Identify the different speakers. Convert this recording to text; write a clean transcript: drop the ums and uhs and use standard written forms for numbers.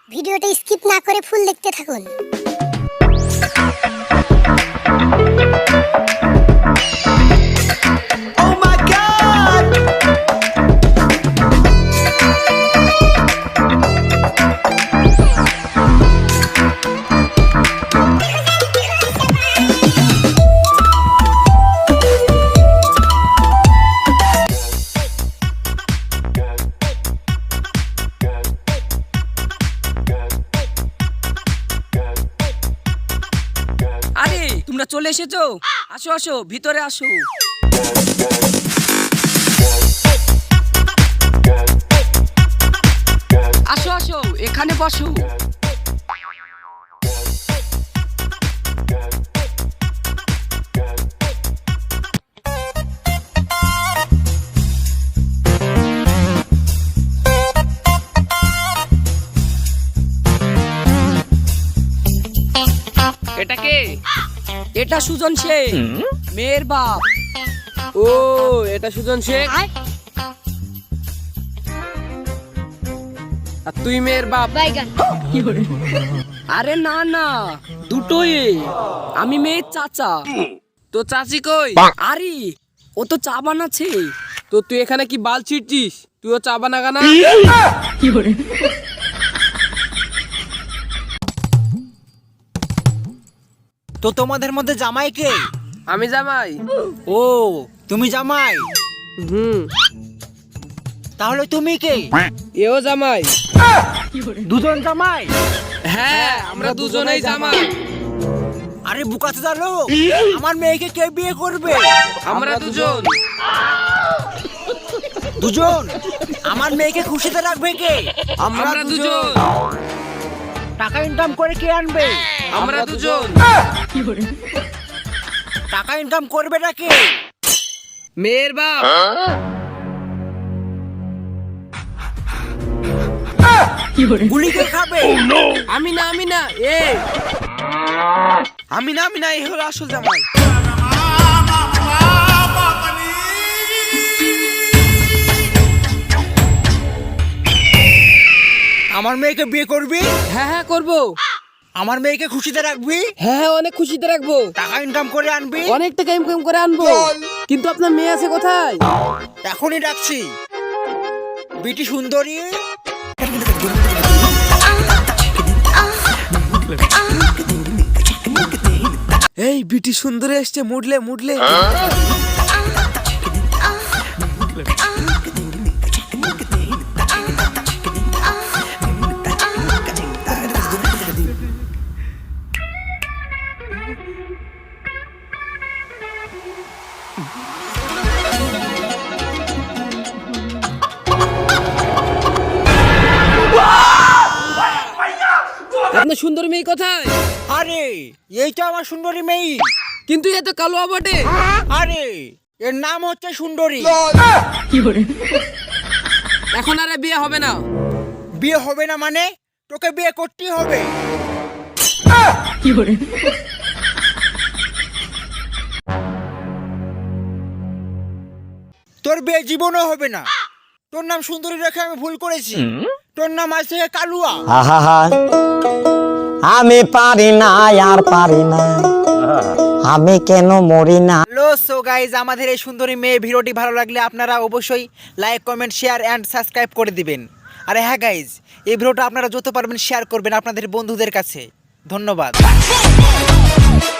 Speaker 1: ভিডিওটা স্কিপ না করে ফুল দেখতে থাকুন।
Speaker 2: Oh my God!
Speaker 3: আরে তোমরা চলে এসেছো, আসো আসো ভিতরে আসো। আসো আসো এখানে বসো। এটা কে? এটা সুজন শেখ, মেয়ের বাপ।
Speaker 4: ও এটা সুজন শেখ, আর তুই মেয়ের বাপ।
Speaker 3: আরে না না, দুটোই। আমি মেয়ের চাচা।
Speaker 4: তো চাচি কই?
Speaker 3: আরে ও তো চা বানাচ্ছে।
Speaker 4: তো তুই এখানে কি বাল ছিটছিস? তুইও চা বানাগা না?
Speaker 2: তো তোমাদের মধ্যে জামাই কে?
Speaker 4: আমি জামাই।
Speaker 2: ও তুমি জামাই,
Speaker 4: হুম।
Speaker 2: তাহলে তুমি কে?
Speaker 4: এও জামাই।
Speaker 2: দুজন জামাই?
Speaker 4: হ্যাঁ আমরা দুজনেই জামাই।
Speaker 2: আরে বুকাতে জানো, আমার মেয়েকে কে বিয়ে করবে?
Speaker 4: আমরা দুজন।
Speaker 2: দুজন? আমার মেয়েকে খুশিতে রাখবে কে?
Speaker 4: আমরা দুজন।
Speaker 2: টাকা ইনকাম করে কে আনবে?
Speaker 4: আমরা দুজন।
Speaker 2: টাকা ইনকাম করবে না কে?
Speaker 4: মেয়ের বাপ।
Speaker 2: গুলি কে খাবে?
Speaker 4: আমি না আমি না, এ আমি না এই হলো আসল জামাই।
Speaker 2: আমার মেয়েকে বিয়ে করবি?
Speaker 4: হ্যাঁ হ্যাঁ করবো।
Speaker 2: আমার মেয়েকে খুশিতে রাখবি?
Speaker 4: হ্যাঁ হ্যাঁ অনেক খুশিতে রাখবো।
Speaker 2: টাকা ইনকাম করে আনবি?
Speaker 4: অনেক টাকা ইনকাম করে আনবো। কিন্তু আপনার মেয়ে আছে কোথায়?
Speaker 2: এখনই ডাকছি। বিটি সুন্দরী,
Speaker 4: এই বিটি সুন্দরী এসছে, মুডলে মুডলে। আপনার সুন্দরী মেয়ে কোথায়?
Speaker 2: আরে এই তো আমার সুন্দরী মেয়ে।
Speaker 4: কিন্তু এ তো কালো বটে।
Speaker 2: আরে এর নাম হচ্ছে সুন্দরী।
Speaker 4: এখন আর বিয়ে হবে না।
Speaker 2: বিয়ে হবে না মানে? তোকে বিয়ে করতেই হবে। তোর বিয়ে জীবনও হবে না। তোর নাম সুন্দরী রেখে আমি ভুল করেছি। তোর নাম আজ থেকে কালুয়া।
Speaker 5: আহা, আমি পারি না আর পারি না, আমি কেন মরি না।
Speaker 2: হ্যালো সো গাইজ, আমাদের এই সুন্দরী মেয়ে ভিডিওটি ভালো লাগলে আপনারা অবশ্যই like, comment, share and subscribe করে দিবেন। আরে হ্যাঁ গাইজ, এই ভিডিওটা আপনারা যত পারবেন শেয়ার করবেন আপনাদের বন্ধুদের কাছে। ধন্যবাদ।